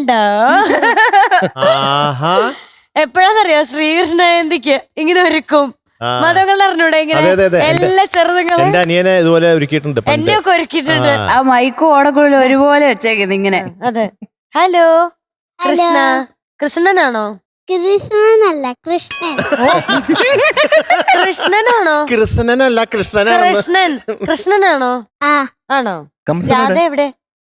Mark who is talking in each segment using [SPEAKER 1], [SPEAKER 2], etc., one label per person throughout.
[SPEAKER 1] കണ്ടോ? എപ്പോഴാന്നറിയോ ശ്രീകൃഷ്ണ ജയന്തിക്ക് ഇങ്ങനെ ഒരുക്കും. മതങ്ങൾ അറിഞ്ഞൂടെ ഇങ്ങനെ എല്ലാ ചെറുതുങ്ങളും.
[SPEAKER 2] എന്റെ അനിയനെ ഇതുപോലെ ഒരുക്കിയിട്ടുണ്ട്,
[SPEAKER 1] എന്നെ ഒക്കെ ഒരുക്കിയിട്ടുണ്ട്.
[SPEAKER 3] ആ മൈക്കും ഓടക്കുഴലും ഒരുപോലെ വെച്ചേക്കുന്നത് ഇങ്ങനെ.
[SPEAKER 1] അതെ. ഹലോ കൃഷ്ണ. കൃഷ്ണനാണോ?
[SPEAKER 4] കൃഷ്ണനല്ല, കൃഷ്ണൻ.
[SPEAKER 1] കൃഷ്ണനാണോ?
[SPEAKER 2] കൃഷ്ണനല്ല, കൃഷ്ണനാണ്.
[SPEAKER 1] കൃഷ്ണൻ. കൃഷ്ണനാണോ? ആണോ? രാധ എവിടെ?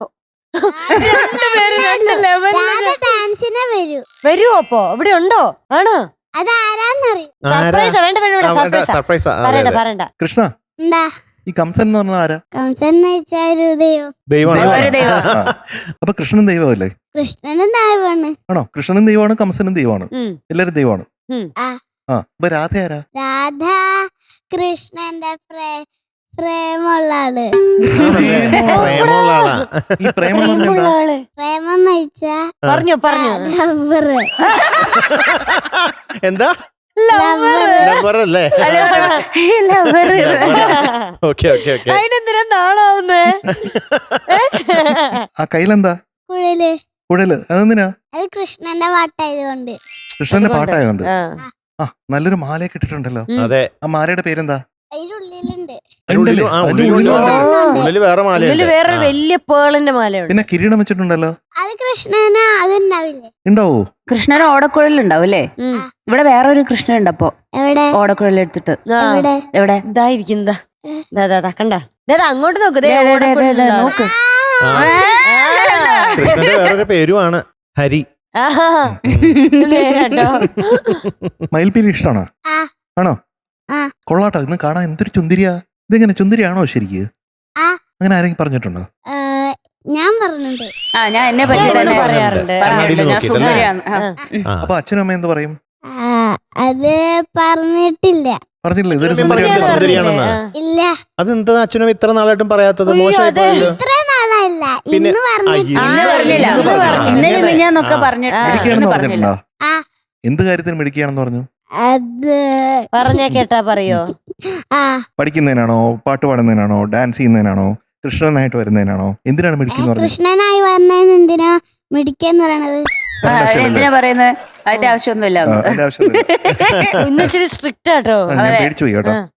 [SPEAKER 4] ഡാൻസിനെ
[SPEAKER 1] വരുവോ? അപ്പോ ഇവിടെ ഉണ്ടോ? ആണോ?
[SPEAKER 4] അതാരാന്നറിയും.
[SPEAKER 1] സർപ്രൈസ്. വേണ്ട
[SPEAKER 2] സർപ്രൈസ്.
[SPEAKER 1] പറയണ്ട.
[SPEAKER 5] കൃഷ്ണ,
[SPEAKER 4] എന്താ
[SPEAKER 5] ഈ കംസൻ എന്ന് പറഞ്ഞ ആരാ?
[SPEAKER 4] കംസൻ എന്ന് വെച്ചാൽ ഒരു ദൈവം.
[SPEAKER 5] ദൈവമാണ്. അപ്പൊ കൃഷ്ണനും ദൈവമല്ലേ?
[SPEAKER 4] കൃഷ്ണനും ദൈവമാണ്.
[SPEAKER 5] ആണോ? കൃഷ്ണനും ദൈവമാണ്, കംസനും ദൈവമാണ്, എല്ലാരും ദൈവമാണ്. അപ്പൊ രാധ ആരാ?
[SPEAKER 4] രാധ കൃഷ്ണന്റെ പ്രേമുള്ള ആള്.
[SPEAKER 5] ഈ പ്രേമം എന്ന് പറഞ്ഞാ എന്താ?
[SPEAKER 4] പ്രേമം എന്ന് വെച്ചാ
[SPEAKER 1] പറഞ്ഞു
[SPEAKER 4] ലവർ.
[SPEAKER 2] എന്താ? ലവർ അല്ലേ?
[SPEAKER 1] അതിനെന്തിനാ നാളാവുന്നേ?
[SPEAKER 5] ആ കയ്യിലെന്താ?
[SPEAKER 4] കുഴല്.
[SPEAKER 5] കുഴല് അതെന്തിനാ?
[SPEAKER 4] അത് കൃഷ്ണന്റെ പാട്ടായതുകൊണ്ട്.
[SPEAKER 5] കൃഷ്ണന്റെ പാട്ടായതുകൊണ്ട്. ആ നല്ലൊരു മാലയൊക്കെ ഇട്ടിട്ടുണ്ടല്ലോ.
[SPEAKER 2] അതെ.
[SPEAKER 5] ആ മാലയുടെ പേരെന്താ?
[SPEAKER 4] അതിന്റെ ഉള്ളിലുണ്ട്.
[SPEAKER 2] ഉള്ളില് വേറെ മാല,
[SPEAKER 1] വേറൊരു വലിയ പേളിന്റെ മാലയുണ്ട്.
[SPEAKER 5] പിന്നെ കിരീടം വെച്ചിട്ടുണ്ടല്ലോ.
[SPEAKER 4] അത് കൃഷ്ണന് അതുണ്ടാവില്ലേ?
[SPEAKER 5] ഉണ്ടാവോ?
[SPEAKER 3] കൃഷ്ണന് ഓടക്കുഴലുണ്ടാവും അല്ലേ? ഇവിടെ വേറൊരു കൃഷ്ണൻ ഉണ്ട്. അപ്പൊ
[SPEAKER 4] എവിടെ?
[SPEAKER 3] ഓടക്കുഴലെടുത്തിട്ട്
[SPEAKER 4] എവിടെ?
[SPEAKER 1] ഇതായിരിക്കും. കണ്ട അങ്ങോട്ട് നോക്ക്.
[SPEAKER 3] നോക്ക്.
[SPEAKER 2] കൃഷ്ണന്റെ വേറൊരു പേരുമാണ് ഹരി.
[SPEAKER 5] മയിൽപ്പീലി ഇഷ്ടമാണോ? ആണോ? കൊള്ളാട്ടോ. ഇന്ന് കാണാൻ എന്തൊരു ചുന്തിരിയാ. ഇതെങ്ങനെ ചുന്തിരിയാണോ ശരിക്ക്? അങ്ങനെ ആരെങ്കിലും പറഞ്ഞിട്ടുണ്ടോ?
[SPEAKER 4] ഞാൻ പറഞ്ഞിട്ടുണ്ട്.
[SPEAKER 3] ഞാൻ എന്നെ പറ്റി
[SPEAKER 1] പറയാറുണ്ട്.
[SPEAKER 5] അപ്പൊ അച്ഛനും അമ്മ എന്ത് പറയും?
[SPEAKER 4] അത് പറഞ്ഞിട്ടില്ല.
[SPEAKER 5] പറഞ്ഞില്ല ഇതൊരു
[SPEAKER 2] സുന്ദരിയാണെന്ന്?
[SPEAKER 4] ഇല്ല.
[SPEAKER 2] അതെന്താ അച്ഛനും ഇത്ര നാളായിട്ടും പറയാത്തത്? മോശമായി പോയല്ലോ.
[SPEAKER 4] ഇത്ര നാളല്ല, ഇന്ന് പറഞ്ഞിട്ടില്ല.
[SPEAKER 5] പറഞ്ഞിട്ടുണ്ടോ? എന്ത് കാര്യത്തിന് മിടിക്കുകയാണെന്ന് പറഞ്ഞു?
[SPEAKER 4] അത്
[SPEAKER 1] പറഞ്ഞ കേട്ടാ പറയോ?
[SPEAKER 5] പഠിക്കുന്നതിനാണോ, പാട്ട് പാടുന്നതിനാണോ, ഡാൻസ് ചെയ്യുന്നതിനാണോ, കൃഷ്ണനായിട്ട് വരുന്നതിനാണോ? എന്തിനാണ് മിടിക്കുന്ന?
[SPEAKER 4] കൃഷ്ണനായി വരുന്നതിന് എന്തിനാ മിടിക്കെന്ന് പറയണത്?
[SPEAKER 3] എന്തിനാ പറയുന്നത്? അതിന്റെ ആവശ്യമൊന്നുമില്ല.
[SPEAKER 1] ഇന്നിച്ചിരി സ്ട്രിക്റ്റ് ആട്ടോ.
[SPEAKER 5] പേടിച്ചു പോയി കേട്ടോ.